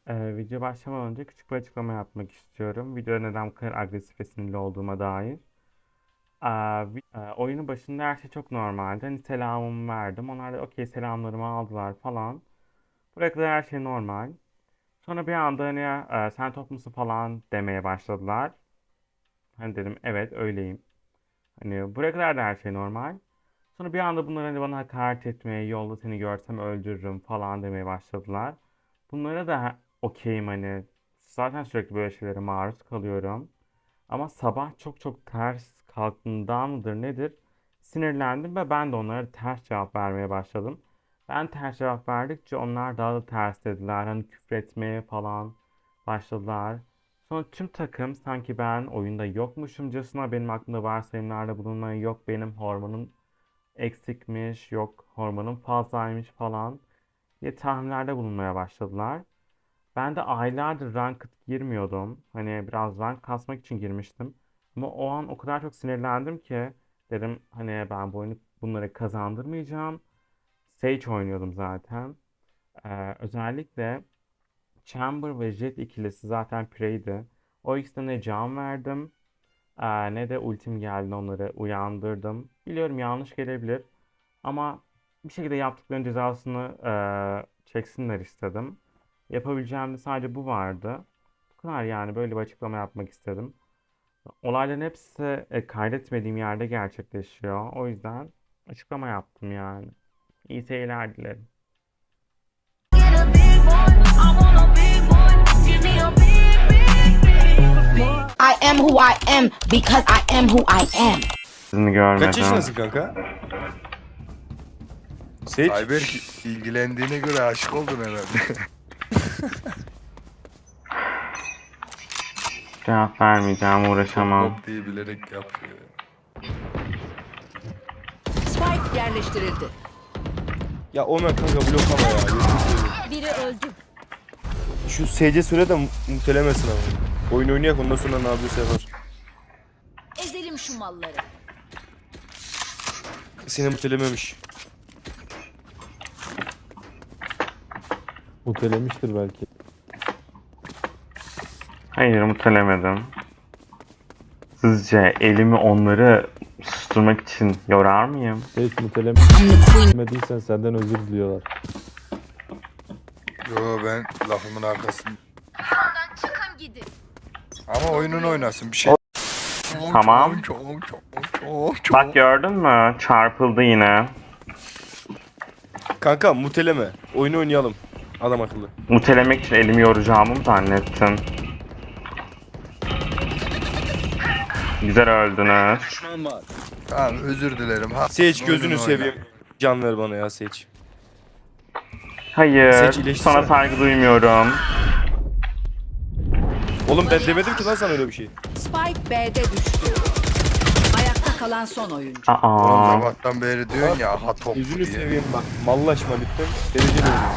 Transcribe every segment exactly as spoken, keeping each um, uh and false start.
Ee, video başlamadan önce küçük bir açıklama yapmak istiyorum. Videoda neden bu kadar agresif ve sinirli olduğuma dair. Ee, vi- e, oyunun başında her şey çok normaldi. Hani selamımı verdim. Onlar da okey selamlarımı aldılar falan. Buraya kadar her şey normal. Sonra bir anda hani e, sen top musun falan demeye başladılar. Hani dedim evet öyleyim. Hani buraya kadar da her şey normal. Sonra bir anda bunlar hani bana hakaret etmeye, yolda seni görsem öldürürüm falan demeye başladılar. Bunlara da ha- okeyim hani. Zaten sürekli böyle şeylere maruz kalıyorum. Ama sabah çok çok ters kalktığından mıdır nedir? Sinirlendim ve ben de onlara ters cevap vermeye başladım. Ben ters cevap verdikçe onlar daha da ters dediler. Hani küfretmeye falan başladılar. Sonra tüm takım sanki ben oyunda yokmuşumcasına benim aklımda varsayımlarda bulunmayı yok benim hormonum eksikmiş, yok hormonum fazlaymış falan diye tahminlerde bulunmaya başladılar. Ben de aylardır ranked girmiyordum. Hani biraz rank kasmak için girmiştim. Ama o an o kadar çok sinirlendim ki dedim hani ben bu oyunu bunları kazandırmayacağım. Sage oynuyordum zaten. Ee, özellikle Chamber ve Jet ikilisi zaten Prey'di. O ikisine ne can verdim ee, ne de ultim geldi onları uyandırdım. Biliyorum yanlış gelebilir ama bir şekilde yaptıklarının cezasını ee, çeksinler istedim. Yapabileceğim de sadece bu vardı. Bu kadar yani böyle bir açıklama yapmak istedim. Olayların hepsi e, kaydetmediğim yerde gerçekleşiyor. O yüzden açıklama yaptım yani. İyi seyirler dilerim. I am who I am because I am who I am. Sizini Kaç görmedim. yaşındasın kanka? Seç. Ayberk ilgilendiğine göre aşık oldun herhalde. Cevap vermeyeceğim, Top uğraşamam. mop diye bilerek yapıyor. Spike yerleştirildi. Ya Omen kanka bloklama ya. Gözünü seveyim. Biri öldü. Şu S C süre de mu- mutelemesin ama. Oyun oynayak ondan sonra ne yapıyorsa yapar. Ezelim şu malları. Seni mutelememiş. Mutelemiştir belki. Hayır, mutelemedim. Sizce elimi onları susturmak için yorar mıyım? Hiç I'm the queen. mutelemediysen senden özür diliyorlar. Yo ben lafımın arkasında. Çıkın gidin. Ama oyunun oynasın bir şey. Tamam. Çok çok çok çok. Bak gördün mü? Çarpıldı yine. Kanka muteleme. Oyunu oynayalım. Adam akıllı. Mutelemek için elimi yoracağımı mı zannettin? Güzel öldünüz. Tamam özür dilerim. Ha, Seç gözünü oyununu seveyim. Can ver bana ya Seç. Hayır, Seç, iyileştirsene. sana saygı duymuyorum. Oğlum ben demedim ki lan sana öyle bir şey. Spike B'de düştü. Ayakta kalan son oyuncu. oyna. Oğlum Aa, sabahtan beri diyorsun ya ha top Gözünü diye. seveyim bak. Mallaşma lütfen. Dereceli oynuyor.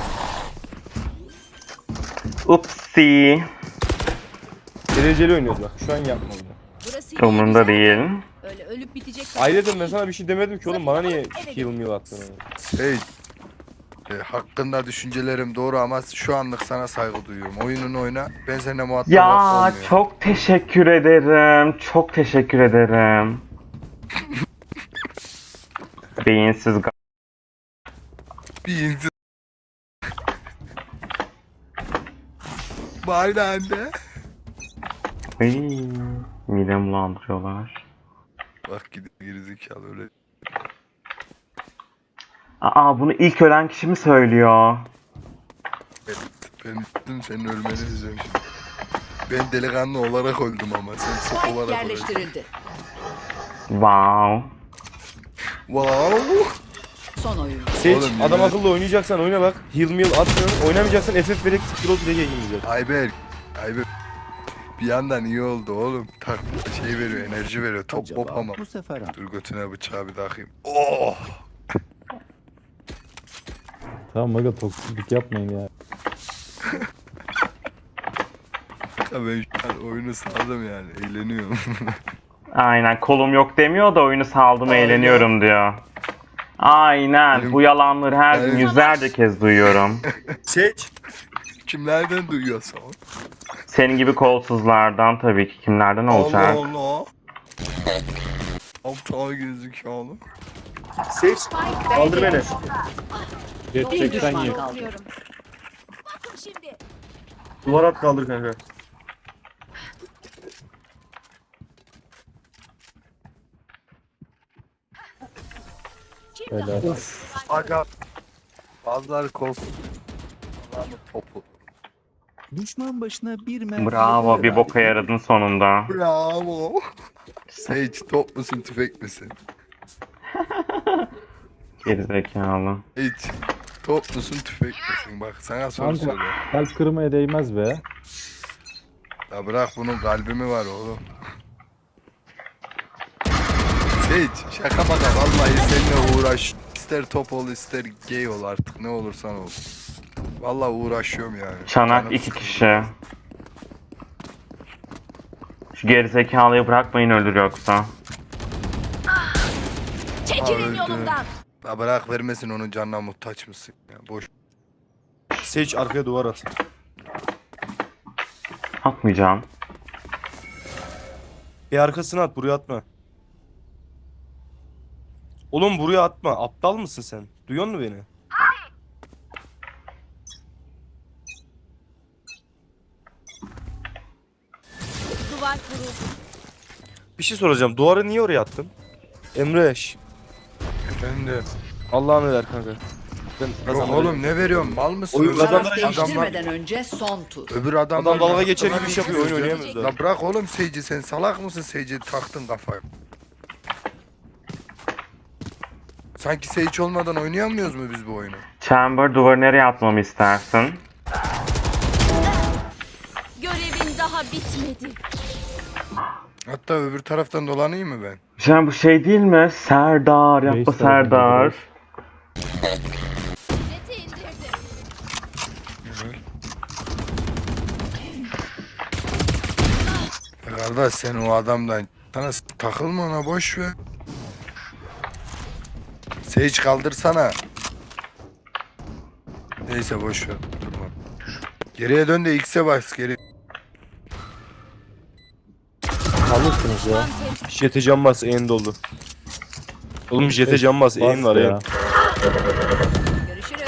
upsi. Dereceli oynuyoruz bak. Şu an yapma bunu. Burası iyi, Umurumda güzel. değil. Öyle ölüp bitecek. Ayrıca ben sana bir şey demedim ki oğlum. Bana niye heal meal attın? Hey. E, hakkında düşüncelerim doğru ama şu anlık sana saygı duyuyorum. Oyununu oyna. Ben seninle muhatap Ya olmuyorum. çok teşekkür ederim. Çok teşekkür ederim. Beyinsiz ga- Bir insan. Bari anne. Ay, midem bulandırıyorlar. Bak gidip gerizekalı öyle. Aa, bunu ilk ölen kişi mi söylüyor? Ben dün senin ölmeni izliyorum şimdi. Ben delikanlı olarak öldüm ama sen çok Spike olarak öldün. yerleştirildi. Wow. Wow. Son oyuncu. Seç Oğlum, adam yemin- akıllı oynayacaksan oyna bak. Heal meal atmıyorum. Oynamayacaksan F F vererek scroll direkt yayınlayacak. Ayberk. Ayberk. Bir yandan iyi oldu oğlum. Tak şey veriyor, enerji veriyor. Top mop ama. Bu sefer ha. Dur götüne bıçağı bir takayım. Oh. Tamam aga toksiklik yapmayın ya. Ya ben şu an oyunu saldım yani. Eğleniyorum. Aynen, kolum yok demiyor da oyunu saldım Aynen. eğleniyorum diyor. Aynen, Benim- bu yalanları her gün Benim- yüzlerce kez duyuyorum. Seç. Kimlerden duyuyorsun? Senin gibi kolsuzlardan tabii ki. Kimlerden olacak? Allah Allah. Aptal gözüküyor. Sage kaldır beni. Jet Bir çeksen düşman ye. kaldı. Duvar at kaldır kanka. Helal. Of. Aga. Bazıları kolsuz. Bazıları topu. Düşman başına bir mermi. Bravo, bir boka yaradın sonunda. Bravo. Sage top musun tüfek misin? Gerizekalı. Hiç. Top musun tüfek misin? Bak sana soru Kanka soruyorum. kalp kırmaya değmez be. Ya bırak bunun kalbi mi var oğlum? Sage şaka maka vallahi seninle uğraş. İster top ol ister gay ol artık ne olursan ol. Vallahi uğraşıyorum yani. Çanak Canım iki sıkıldı. kişi. Şu gerizekalıyı bırakmayın ölür yoksa. Çekilin yolumdan. Ya bırak vermesin onun canına muhtaç mısın? Ya boş. Sage arkaya duvar at. Atmayacağım. Bir arkasına at, buraya atma. Oğlum buraya atma. Aptal mısın sen? Duyuyor musun beni? Duvar kuruldu. Bir şey soracağım. Duvarı niye oraya attın? Emre, şş, Efendim. Allah'ını ver kanka. Ben Yok kazandım. oğlum ne veriyorum? Mal mısın? Oyun Öbür kazandı. Taraf adamlar, değiştirmeden önce son tur. öbür adamlar Adam dalga geçer gibi iş yapıyor. Oyun Ya oynayamıyoruz daha. La bırak oğlum Sage'i sen salak mısın Sage'i taktın kafaya. Sanki Sage olmadan oynayamıyoruz mu biz bu oyunu? Chamber, duvarı nereye atmamı istersin? Görevin daha bitmedi. Hatta öbür taraftan dolanayım mı ben? Can bu şey değil mi? Serdar, yapma Reis tarafında Serdar. duruyor. Jeti indirdi. Ya kardeş sen o adamdan sana s- takılma ona boş ver. Sage kaldırsana. Neyse boş ver. Durma. Geriye dön de X'e bas geri. Kalırsınız ya. Jet'e can bas, en dolu. Oğlum jet'e can bas, en var ya. en. Görüşürüz.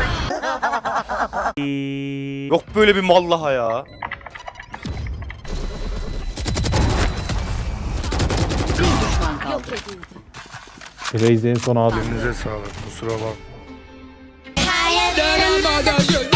Yok böyle bir mallaha ya. Bir düşman kaldı. Yok edildi. Reis en son ağlıyor. Elinize sağlık. Kusura bak. Higher than a mother.